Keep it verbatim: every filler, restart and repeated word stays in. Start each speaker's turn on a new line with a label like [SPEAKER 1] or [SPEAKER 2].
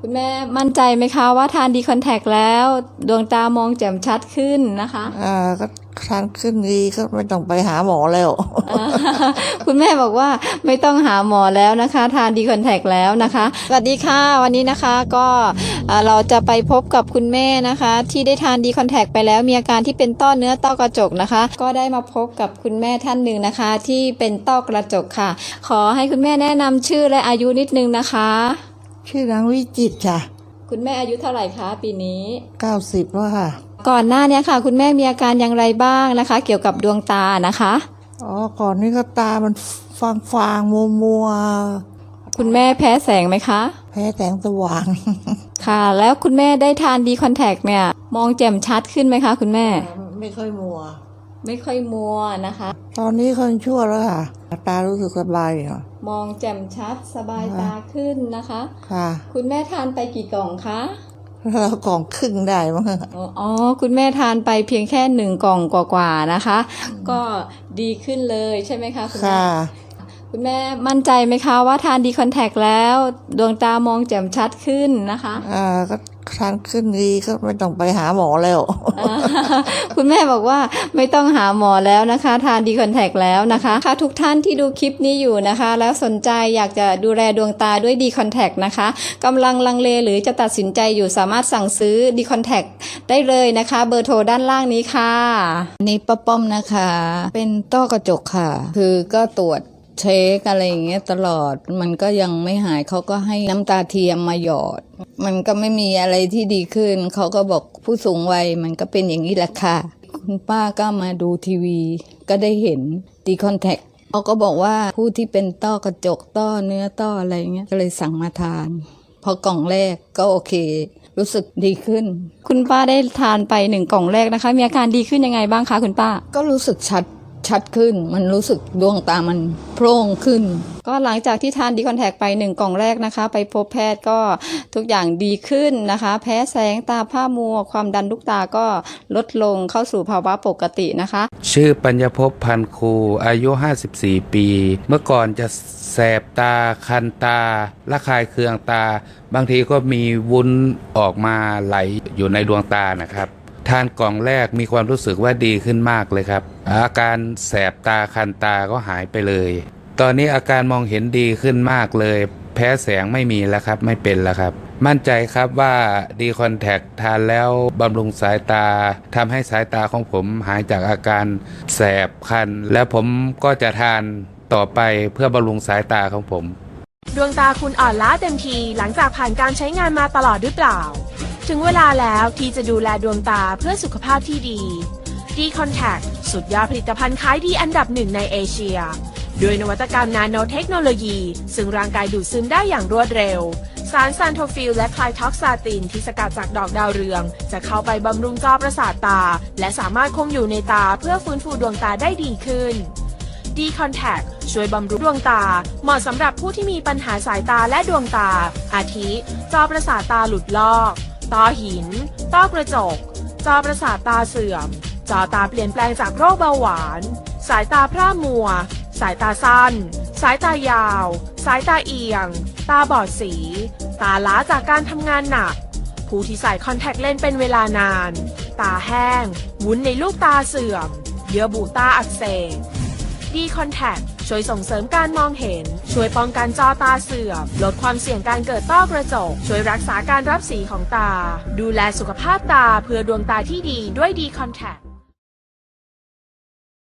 [SPEAKER 1] คุณแม่มั่นใจไหมคะว่าทานดีคอนแทคแล้วดวงตามองแจ่มชัดขึ้นนะคะ
[SPEAKER 2] อ่าก็ทานขึ้นดีก็ไม่ต้องไปหาหมอแล้ว
[SPEAKER 1] คุณแม่บอกว่าไม่ต้องหาหมอแล้วนะคะทานดีคอนแทคแล้วนะคะสวัสดีค่ะวันนี้นะคะก็เราจะไปพบกับคุณแม่นะคะที่ได้ทานดีคอนแทคไปแล้วมีอาการที่เป็นต้อเนื้อต้อกระจกนะคะก็ได้มาพบกับคุณแม่ท่านหนึ่งนะคะที่เป็นต้อกระจกค่ะขอให้คุณแม่แนะนำชื่อและอายุนิดนึงนะคะ
[SPEAKER 2] ชื่อนางวิจิตรค่ะ
[SPEAKER 1] คุณแม่อายุเท่าไหร่คะปีนี้
[SPEAKER 2] เก้าสิบแล้วค่ะ
[SPEAKER 1] ก่อนหน้านี้ค่ะคุณแม่มีอาการอย่างไรบ้างนะคะเกี่ยวกับดวงตานะคะ
[SPEAKER 2] อ๋อก่อนนี้ก็ตามันฟางฟางมัวมัว
[SPEAKER 1] คุณแม่แพ้แสงไหมคะ
[SPEAKER 2] แพ้แสงสว่าง
[SPEAKER 1] ค่ะแล้วคุณแม่ได้ทานดีคอนแทคเนี่ยมองแจ่มชัดขึ้นไหมคะคุณแม่
[SPEAKER 2] ไม่ค่อยมัว
[SPEAKER 1] ไม่ค่อยมัวนะคะ
[SPEAKER 2] ตอนนี้คนชั่วแล้วค่ะตารู้สึกสบายอ่ะ
[SPEAKER 1] มองแจ่มชัดสบายตาขึ้นนะคะ
[SPEAKER 2] ค่ะ
[SPEAKER 1] คุณแม่ทานไปกี่กล่องคะ
[SPEAKER 2] เรากล่องครึ่งได้มั้ง
[SPEAKER 1] อ๋อคุณแม่ทานไปเพียงแค่หนึ่งกล่องกว่าๆนะคะก็ดีขึ้นเลยใช่ไหมคะคุณแม่คุณแม่มั่นใจไหมคะว่าทานดีคอนแทคแล้วดวงตามองแจ่มชัดขึ้นนะคะ
[SPEAKER 2] อ่าก็ทานขึ้นดีก็ไม่ต้องไปหาหมอแล้ว
[SPEAKER 1] คุณแม่บอกว่าไม่ต้องหาหมอแล้วนะคะทานดีคอนแทคแล้วนะคะค่ะทุกท่านที่ดูคลิปนี้อยู่นะคะแล้วสนใจอยากจะดูแลดวงตาด้วยดีคอนแทคนะคะกำลังลังเลหรือจะตัดสินใจอยู่สามารถสั่งซื้อดีคอนแทคได้เลยนะคะเบอร์โทรด้านล่างนี้ค่ะ
[SPEAKER 3] นี่ป้าป้อมนะคะเป็นต้อกระจกค่ะคือก็ตรวจเช็คอะไรอย่างเงี้ยตลอดมันก็ยังไม่หายเขาก็ให้น้ำตาเทียมมาหยอดมันก็ไม่มีอะไรที่ดีขึ้นเขาก็บอกผู้สูงวัยมันก็เป็นอย่างนี้แหละค่ะคุณป้าก็มาดูทีวีก็ได้เห็นดีคอนแทคเขาก็บอกว่าผู้ที่เป็นต้อกระจกต้อเนื้อต้ออะไรเงี้ยก็เลยสั่งมาทานพอกล่องแรกก็โอเครู้สึกดีขึ้น
[SPEAKER 1] คุณป้าได้ทานไปหนึ่งกล่องแรกนะคะมีอาการดีขึ้นยังไงบ้างคะคุณป้า
[SPEAKER 3] ก็รู้สึกชัดชัดขึ้นมันรู้สึกดวงตามันโพร่งขึ้น
[SPEAKER 1] ก็หลังจากที่ทานดีคอนแทคไปหนึ่งกล่องแรกนะคะไปพบแพทย์ก็ทุกอย่างดีขึ้นนะคะแพ้แสงตาผ้ามัวความดันลูกตาก็ลดลงเข้าสู่ภาวะปกตินะคะ
[SPEAKER 4] ชื่อปัญญภพพันคูอายุห้าสิบสี่ปีเมื่อก่อนจะแสบตาคันตาระคายเคืองตาบางทีก็มีวุ้นออกมาไหลอยู่ในดวงตานะครับทานกล่องแรกมีความรู้สึกว่าดีขึ้นมากเลยครับอาการแสบตาคันตาก็หายไปเลยตอนนี้อาการมองเห็นดีขึ้นมากเลยแพ้แสงไม่มีแล้วครับไม่เป็นแล้วครับมั่นใจครับว่าดีคอนแทคทานแล้วบำรุงสายตาทำให้สายตาของผมหายจากอาการแสบคันแล้วผมก็จะทานต่อไปเพื่อบำรุงสายตาของผม
[SPEAKER 5] ดวงตาคุณอ่อนล้าเต็มทีหลังจากผ่านการใช้งานมาตลอดหรือเปล่าถึงเวลาแล้วที่จะดูแลดวงตาเพื่อสุขภาพที่ดี ดีคอนแทคสุดยอดผลิตภัณฑ์ขายดีอันดับหนึ่งในเอเชียด้วยนวัตกรรมนาโนเทคโนโลยีซึ่งร่างกายดูดซึมได้อย่างรวดเร็วสารซันโทฟิลและไคลท็อกซาตินที่สกัดจากดอกดาวเรืองจะเข้าไปบำรุงจอประสาทตาและสามารถคงอยู่ในตาเพื่อฟื้นฟูดวงตาได้ดีขึ้นดีคอนแทคช่วยบำรุงดวงตาเหมาะสำหรับผู้ที่มีปัญหาสายตาและดวงตาอาทิจอประสาทตาหลุดลอกต้อหินต้อกระจกจอประสาทตาเสื่อมจอตาเปลี่ยนแปลงจากโรคเบาหวานสายตาพร่ามัวสายตาสั้นสายตายาวสายตาเอียงตาบอดสีตาล้าจากการทำงานหนักผู้ที่ใส่คอนแทคเลนส์เป็นเวลานานตาแห้งวุ้นในลูกตาเสื่อมเยื่อบุตาอักเสบดีคอนแทคช่วยส่งเสริมการมองเห็นช่วยป้องกันจอตาเสื่อมลดความเสี่ยงการเกิดต้อกระจกช่วยรักษาการรับสีของตาดูแลสุขภาพตาเพื่อดวงตาที่ดีด้วยดีคอนแทค